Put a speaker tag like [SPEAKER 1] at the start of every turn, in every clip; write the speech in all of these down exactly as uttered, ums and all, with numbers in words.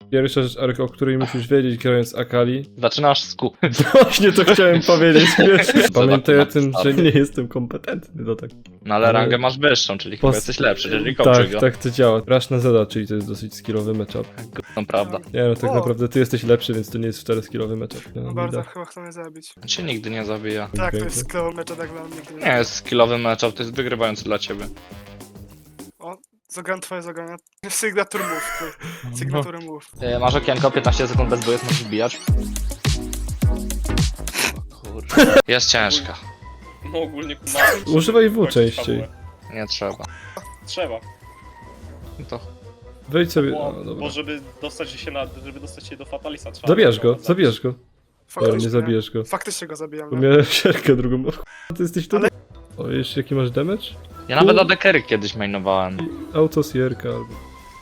[SPEAKER 1] Pierwsza rzecz, Arek, o której musisz wiedzieć, grając Akali.
[SPEAKER 2] Zaczynasz z Q.
[SPEAKER 1] Właśnie to chciałem powiedzieć, wiesz. Pamiętaj o tym, że nie jestem kompetentny do tak.
[SPEAKER 2] No ale
[SPEAKER 1] Ale-
[SPEAKER 2] rangę masz wyższą, czyli chyba
[SPEAKER 1] Pos-
[SPEAKER 2] jesteś lepszy, jeżeli
[SPEAKER 1] Tak,
[SPEAKER 2] kończy go.
[SPEAKER 1] tak to działa. Rush na Zeda, czyli to jest dosyć skillowy matchup.
[SPEAKER 2] To prawda.
[SPEAKER 1] Nie no, tak
[SPEAKER 3] O.
[SPEAKER 1] naprawdę ty jesteś lepszy, więc to nie jest wcale skillowy matchup. No,
[SPEAKER 3] No bardzo,
[SPEAKER 1] widać.
[SPEAKER 3] chyba chcą mnie zabić.
[SPEAKER 2] Cię nigdy nie zabija.
[SPEAKER 3] Tak, to
[SPEAKER 1] Pięknie.
[SPEAKER 3] jest sklowy mecz, tak wam nigdy
[SPEAKER 2] Nie jest skillowy matchup, to jest wygrywający dla ciebie.
[SPEAKER 3] O, zagram twoje zagrania. Signature move, ty. Signature move.
[SPEAKER 2] Yy, masz okienko, piętnaście sekund bez bojów, możesz wbijać. O kurde. Jest ciężka.
[SPEAKER 4] No ogólnie kumałem.
[SPEAKER 1] Używaj W częściej.
[SPEAKER 2] Nie trzeba.
[SPEAKER 4] Trzeba.
[SPEAKER 2] No to
[SPEAKER 1] Wejdź sobie.
[SPEAKER 4] Bo,
[SPEAKER 1] O,
[SPEAKER 4] bo
[SPEAKER 1] dobra.
[SPEAKER 4] żeby dostać się na, żeby dostać się do Fatalisa trzeba...
[SPEAKER 1] Zabierz go,
[SPEAKER 4] zabić.
[SPEAKER 1] zabierz go. Dobra, nie zabijesz go.
[SPEAKER 3] Faktycznie go zabijam.
[SPEAKER 1] Bo
[SPEAKER 3] No.
[SPEAKER 1] miałem sierkę drugą. O, k***a, ty jesteś tu.
[SPEAKER 3] Ale-
[SPEAKER 1] O, jeszcze jaki masz damage?
[SPEAKER 2] ja nawet adekery kiedyś mainowałem.
[SPEAKER 1] Autosierka albo.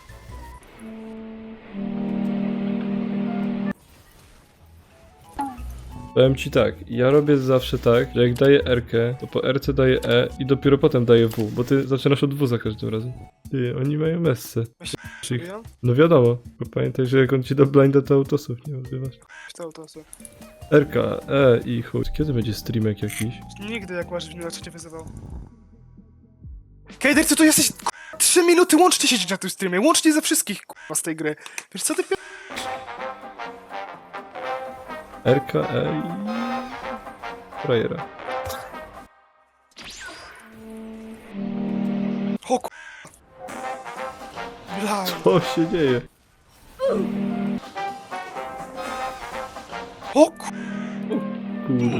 [SPEAKER 1] Powiem ci tak, ja robię zawsze tak, że jak daję R-kę, to po R-ce daję E i dopiero potem daję W, bo ty zaczynasz od W za każdym razem. Ty, oni mają messę. Czy ich-
[SPEAKER 3] Zabijam?
[SPEAKER 1] No wiadomo, bo pamiętaj, że jak on ci da blinda, to autosów nie używasz.
[SPEAKER 3] To, to, to.
[SPEAKER 1] R-ka, E i chuj. Kiedy będzie streamek jakiś?
[SPEAKER 3] Nigdy jak masz mnie cię wyzywał. Kejder, ty tu jesteś k***a, trzy minuty łącznie siedzieć na tym streamie, łącznie ze wszystkich k***a z tej gry. Wiesz co ty pi...
[SPEAKER 1] R-ka, E i... Frajera.
[SPEAKER 3] O k***a. Blaj.
[SPEAKER 1] Co się dzieje?
[SPEAKER 3] O k***a.
[SPEAKER 1] Kurde.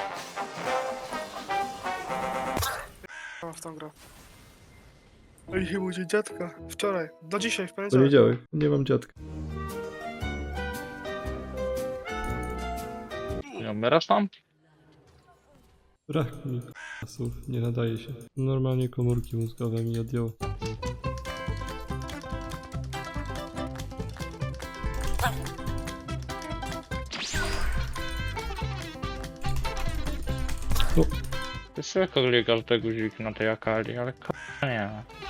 [SPEAKER 3] w tą grę. Oj, chyba będzie dziadka. Wczoraj. Do dzisiaj, w poniedziałek.
[SPEAKER 1] Poniedziałek. Nie mam dziadka.
[SPEAKER 2] Nie umierasz tam?
[SPEAKER 1] Brak mi słów, nie nadaje się. Normalnie komórki mózgowe mi odjął. No,
[SPEAKER 2] Ty szybko klikasz te guziki na tej Akali, ale k***a nie.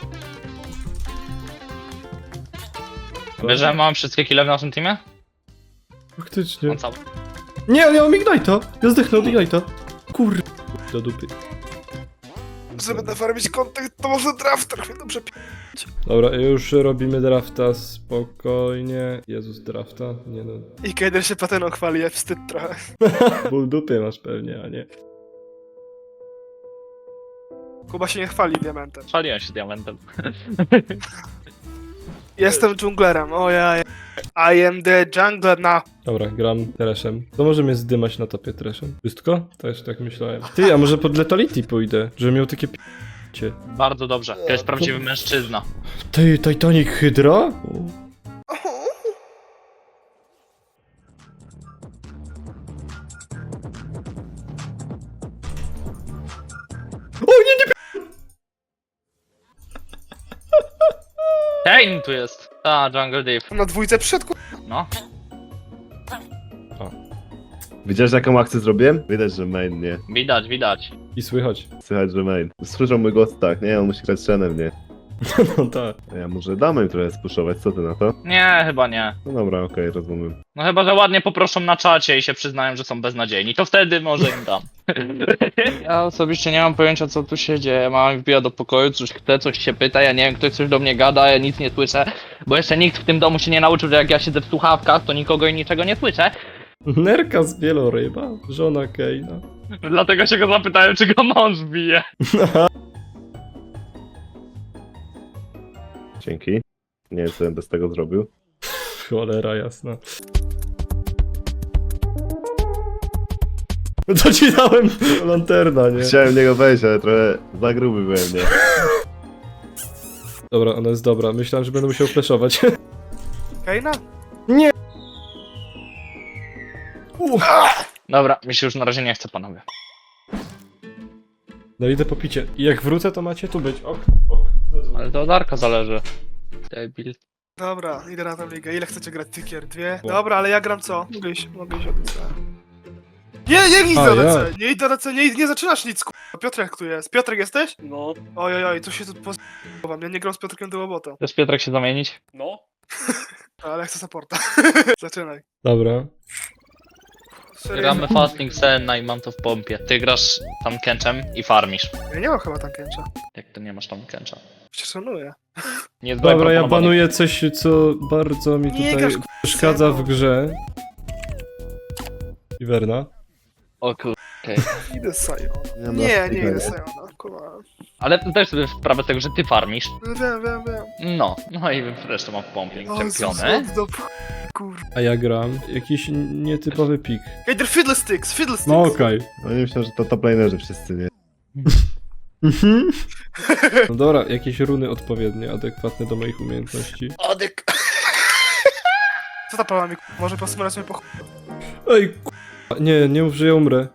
[SPEAKER 2] Wiesz, że mam wszystkie kile w naszym teamie?
[SPEAKER 1] faktycznie.
[SPEAKER 2] On cały.
[SPEAKER 1] Nie, ja mam Ignite'a! Ja zdechnę od Ignite'a! Kur... do dupy.
[SPEAKER 3] Żeby nafarmić kontent, to może draft trochę dobrze pi...
[SPEAKER 1] Dobra, już robimy drafta spokojnie. Jezus, drafta? Nie no.
[SPEAKER 3] I Kejder się pateną chwali, ja wstyd trochę.
[SPEAKER 1] Ból dupy masz pewnie, a nie.
[SPEAKER 3] Kuba się nie chwali diamentem.
[SPEAKER 2] Chwaliłem się diamentem.
[SPEAKER 3] Jestem dżunglerem, o ja, ja. I am the jungler now.
[SPEAKER 1] Dobra, gram trashem. To możemy zdymać na topie trashem. Wszystko? Też tak myślałem. Ty, a może pod Letality pójdę? Że miał takie p***cie.
[SPEAKER 2] Bardzo dobrze. To jest prawdziwy mężczyzna.
[SPEAKER 1] Ty, Titanic Hydra? O nie, nie!
[SPEAKER 2] Kane tu jest. A, Jungle Deep.
[SPEAKER 3] Na dwójce przyszedł, ku...
[SPEAKER 2] No.
[SPEAKER 5] Widziałeś jaką akcję zrobiłem? Widać, że main, nie?
[SPEAKER 2] Widać, widać.
[SPEAKER 1] I słychać.
[SPEAKER 5] Słychać, że main. Słyszą mój głos tak, nie? On musi grać trenem, nie?
[SPEAKER 1] No tak.
[SPEAKER 5] Ja może damy im trochę spuszować, co ty na to?
[SPEAKER 2] Nie, chyba nie.
[SPEAKER 5] No dobra, okej, rozumiem.
[SPEAKER 2] No chyba, że ładnie poproszą na czacie i się przyznają, że są beznadziejni. To wtedy może im dam. Ja osobiście nie mam pojęcia, co tu się dzieje. Mama wbija do pokoju, coś chce, coś się pyta, ja nie wiem, ktoś coś do mnie gada, ja nic nie słyszę. Bo jeszcze nikt w tym domu się nie nauczył, że jak ja siedzę w słuchawkach, to nikogo i niczego nie słyszę.
[SPEAKER 1] Nerka z wieloryba, żona Kane'a.
[SPEAKER 2] Dlatego się go zapytałem, czy go mąż bije.
[SPEAKER 5] Dzięki. Nie wiem, co bym bez tego zrobił.
[SPEAKER 1] Cholera jasna. No to ci dałem lanterna, nie?
[SPEAKER 5] Chciałem w niego wejść, ale trochę za gruby byłem, nie?
[SPEAKER 1] Dobra, ona jest dobra. Myślałem, że będę musiał flashować.
[SPEAKER 3] Kejna?
[SPEAKER 2] Dobra, mi się już na razie nie chce, panowie.
[SPEAKER 1] No idę po picie. I jak wrócę, to macie tu być. Ok, ok.
[SPEAKER 2] Ale to od Arka zależy. Debil.
[SPEAKER 3] Dobra, idę na tę ligę. Ile chcecie grać? Tykier? Dwie? Dobra, ale ja gram co? Mogę iść, mogę iść od D C. Nie, nie idź
[SPEAKER 1] A,
[SPEAKER 3] do D
[SPEAKER 1] ja.
[SPEAKER 3] C, nie idź do D C, nie, nie zaczynasz nic, k***a. Piotrek tu jest. Piotrek jesteś?
[SPEAKER 4] No,
[SPEAKER 3] Oj, oj, oj, tu się tu pozwam. Ja nie gram z Piotrkiem do łobota.
[SPEAKER 2] Chcesz Piotrek się zamienić?
[SPEAKER 4] no.
[SPEAKER 3] Ale chcę supporta. Zaczynaj.
[SPEAKER 1] Dobra.
[SPEAKER 3] Serio?
[SPEAKER 2] Gramy Fasting Senna i mam to w pompie. Ty grasz tam Kenchem i farmisz.
[SPEAKER 3] Ja nie mam chyba tankęcza.
[SPEAKER 2] Jak to nie masz tam Kencha?
[SPEAKER 3] Cię szanuję.
[SPEAKER 2] Nie jest
[SPEAKER 1] Dobra, ja
[SPEAKER 2] proponowany.
[SPEAKER 1] banuję coś, co bardzo mi
[SPEAKER 3] Nie
[SPEAKER 1] tutaj
[SPEAKER 3] grasz, k***a,
[SPEAKER 1] przeszkadza w
[SPEAKER 3] Sebo.
[SPEAKER 1] grze. Iwerna.
[SPEAKER 2] O kur... okej.
[SPEAKER 3] Idę z Sajona.
[SPEAKER 5] Nie, no,
[SPEAKER 3] Nie, nie
[SPEAKER 5] spokojnie.
[SPEAKER 3] idę z Sajona. Kurwa.
[SPEAKER 2] Ale zdajesz sobie sprawę z tego, że ty farmisz.
[SPEAKER 3] Wiem, wiem, wiem.
[SPEAKER 2] No, no i zresztą mam w pompie
[SPEAKER 3] O,
[SPEAKER 2] czempiony.
[SPEAKER 3] do p... Kurwa.
[SPEAKER 1] A ja gram jakiś nietypowy pik.
[SPEAKER 3] Ej, they're fiddlesticks, fiddlesticks.
[SPEAKER 1] No okej.
[SPEAKER 5] Oni myślą, że to top lanerzy wszyscy, nie?
[SPEAKER 1] Mhm. No dobra, jakieś runy odpowiednie, adekwatne do moich umiejętności.
[SPEAKER 3] Adek. Co ta prawa mi, k***? Może posmurać mnie po ch...
[SPEAKER 1] Ej, k***a. Nie, nie mów, że ja umrę.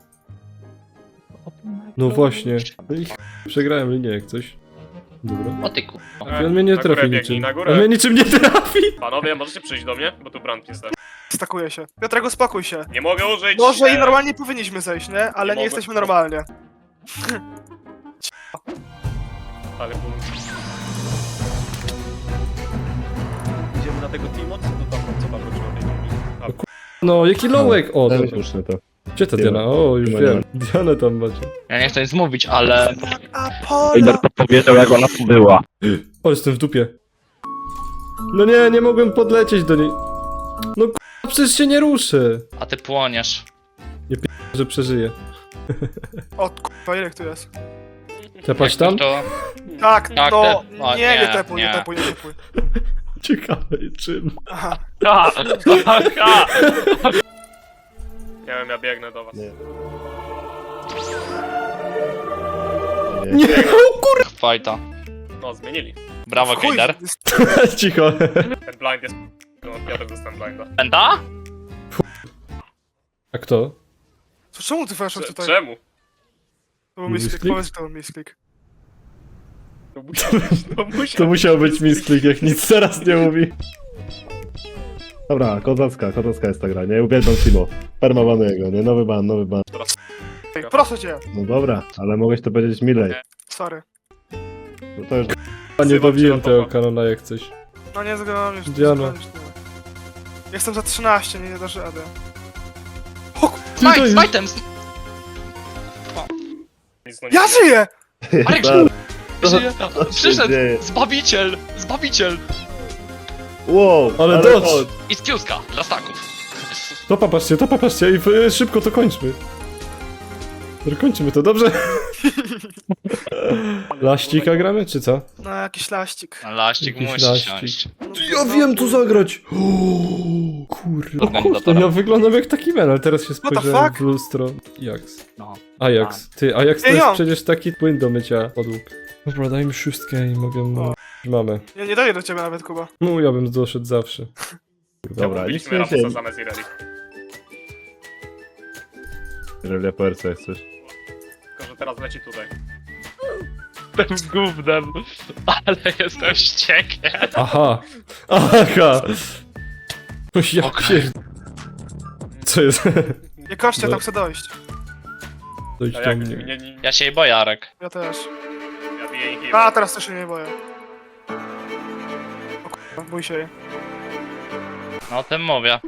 [SPEAKER 1] No właśnie. No i ch... przegrałem linię jak coś. Dobra.
[SPEAKER 2] O ty kur...
[SPEAKER 1] I on mnie nie
[SPEAKER 4] Na górę
[SPEAKER 1] trafi
[SPEAKER 4] biegnij,
[SPEAKER 1] niczym.
[SPEAKER 4] na górę.
[SPEAKER 1] On mnie niczym nie trafi!
[SPEAKER 4] Panowie, możecie przyjść do mnie? Bo tu brand jest.
[SPEAKER 3] Stakuję się. Piotrek, uspokój się.
[SPEAKER 4] Nie mogę użyć...
[SPEAKER 3] Może i
[SPEAKER 4] e,
[SPEAKER 3] normalnie powinniśmy zejść, nie? Ale nie,
[SPEAKER 4] mogę.
[SPEAKER 3] jesteśmy normalnie.
[SPEAKER 4] Ale ból. Idziemy na tego Timo, czy to tam, co tam robiło tej linii? A,
[SPEAKER 1] No, jaki lołek! O,
[SPEAKER 5] Daj mi
[SPEAKER 1] dobra.
[SPEAKER 5] puszczę to.
[SPEAKER 1] Gdzie ta
[SPEAKER 5] Diana.
[SPEAKER 1] Diana? O, już
[SPEAKER 5] Diana.
[SPEAKER 1] wiem. Dianę tam macie.
[SPEAKER 2] Ja nie chcę nic mówić, ale...
[SPEAKER 3] Apollo!
[SPEAKER 6] powiedział, jak ona tu była.
[SPEAKER 1] O, jestem w dupie. No nie, nie mogłem podlecieć do niej. No k***a, przecież się nie ruszę.
[SPEAKER 2] A ty płoniesz.
[SPEAKER 1] Że przeżyję.
[SPEAKER 3] O, kurwa, ile tu jest?
[SPEAKER 1] Tepać tam?
[SPEAKER 2] To...
[SPEAKER 3] Tak,
[SPEAKER 2] Tak,
[SPEAKER 3] no,
[SPEAKER 2] te- o,
[SPEAKER 3] nie,
[SPEAKER 2] nie,
[SPEAKER 3] nie tepuj, nie
[SPEAKER 2] nie.
[SPEAKER 3] tepuj, nie tepuj.
[SPEAKER 1] Ciekawe czym.
[SPEAKER 3] Aha.
[SPEAKER 2] Ha! Ha!
[SPEAKER 4] nie wiem, ja biegnę do was.
[SPEAKER 5] Nie.
[SPEAKER 1] Nie, o kur...
[SPEAKER 2] Fajta.
[SPEAKER 4] No, zmienili.
[SPEAKER 2] Brawo,
[SPEAKER 3] Chuj,
[SPEAKER 2] Kejder.
[SPEAKER 1] Cicho.
[SPEAKER 4] Ten blind jest... No, ja też dostałem blinda.
[SPEAKER 2] Penta?
[SPEAKER 1] A kto?
[SPEAKER 3] Co, czemu ty weszłeś
[SPEAKER 4] Cze-
[SPEAKER 3] tutaj?
[SPEAKER 4] Czemu?
[SPEAKER 3] To był misklik,
[SPEAKER 1] Misklik?
[SPEAKER 3] powiedz, że to był misklik.
[SPEAKER 4] To musiał być, to musiał
[SPEAKER 1] To musiał być misklik, jak nic teraz nie mówi.
[SPEAKER 5] Dobra, kozacka, kozacka jest ta gra, nie? Uwielbiam Timo. Permowany jego, nie? Nowy ban, nowy ban.
[SPEAKER 3] Ej, proszę cię.
[SPEAKER 5] No dobra, ale mogłeś to powiedzieć milej.
[SPEAKER 3] Sorry.
[SPEAKER 5] No to już...
[SPEAKER 1] A nie
[SPEAKER 4] Wzywam
[SPEAKER 1] bawiłem
[SPEAKER 4] cię do
[SPEAKER 1] tego
[SPEAKER 4] topa.
[SPEAKER 1] kanona jak coś.
[SPEAKER 3] No nie zgadam już.
[SPEAKER 1] Diana.
[SPEAKER 3] Jestem za trzynaście, nie, nie dasz rady. O, ku-
[SPEAKER 1] Ty to
[SPEAKER 2] Smite,
[SPEAKER 1] jest-
[SPEAKER 2] smite'em!
[SPEAKER 4] nic, no,
[SPEAKER 3] ja
[SPEAKER 4] nie-
[SPEAKER 3] żyję!
[SPEAKER 2] Arek,
[SPEAKER 5] Zaraz,
[SPEAKER 2] żyje!
[SPEAKER 5] co się
[SPEAKER 2] Przyszedł!
[SPEAKER 5] dzieje?
[SPEAKER 2] Zbawiciel! Zbawiciel!
[SPEAKER 5] Wow,
[SPEAKER 1] Ale dodge!
[SPEAKER 5] chodź.
[SPEAKER 2] I skiuska dla staków.
[SPEAKER 1] To patrzcie, to patrzcie i y, szybko to kończmy. Dobra, kończymy to, dobrze? Laścika gramy, czy co?
[SPEAKER 3] No, jakiś laścik.
[SPEAKER 2] Laścik
[SPEAKER 1] Jakiś
[SPEAKER 2] musi
[SPEAKER 1] laścik.
[SPEAKER 2] siąść.
[SPEAKER 3] No,
[SPEAKER 1] Ja
[SPEAKER 3] no,
[SPEAKER 1] wiem tu zagrać! O, kurde, o, kurde, ja wyglądam jak taki men, ale teraz się
[SPEAKER 3] the
[SPEAKER 1] spojrzałem
[SPEAKER 3] fuck?
[SPEAKER 1] w lustro. Ajax.
[SPEAKER 2] No.
[SPEAKER 1] Ajax. Ty, Ajax to
[SPEAKER 3] Ej,
[SPEAKER 1] jest
[SPEAKER 3] jo!
[SPEAKER 1] przecież taki płyn do mycia podłóg. Dobra, daj mi szóstkę i mogę mu... Mamy.
[SPEAKER 3] Nie, nie daję do ciebie nawet, Kuba.
[SPEAKER 1] No, ja bym doszedł zawsze.
[SPEAKER 5] Dobra, nic
[SPEAKER 4] Byliśmy
[SPEAKER 5] nie się...
[SPEAKER 4] Ramusa zamiast Ireli.
[SPEAKER 5] Relia po R C jak coś.
[SPEAKER 4] Tylko, że teraz leci tutaj.
[SPEAKER 2] Jestem gównem, ale jestem wściekły.
[SPEAKER 1] Aha! Aha! No ja
[SPEAKER 2] Okej.
[SPEAKER 1] pierd... Co jest?
[SPEAKER 3] Nie koszcie,
[SPEAKER 1] No.
[SPEAKER 3] tam chcę dojść.
[SPEAKER 1] Dojdź
[SPEAKER 4] A
[SPEAKER 1] do
[SPEAKER 4] jak...
[SPEAKER 1] mnie.
[SPEAKER 4] Nie, nie,
[SPEAKER 2] Ja się jej boję, Arek.
[SPEAKER 3] Ja też.
[SPEAKER 4] ja biję ich
[SPEAKER 3] A, teraz też się nie boję. O kurwa, bój się jej.
[SPEAKER 2] No o tym mówię.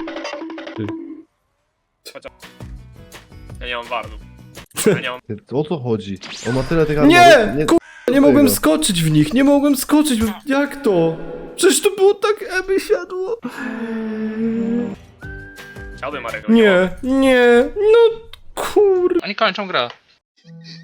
[SPEAKER 4] Ja nie mam wardów. Ja nie mam...
[SPEAKER 5] Ty, o co chodzi? On ma tyle tych
[SPEAKER 1] Nie!
[SPEAKER 5] armorów,
[SPEAKER 1] Ku... Nie
[SPEAKER 5] tego.
[SPEAKER 1] mogłem skoczyć w nich, nie mogłem skoczyć, jak to? Przecież to było tak eby siadło.
[SPEAKER 4] Chciałbym Arego.
[SPEAKER 1] Nie, nie, no kur...
[SPEAKER 2] Oni kończą grę.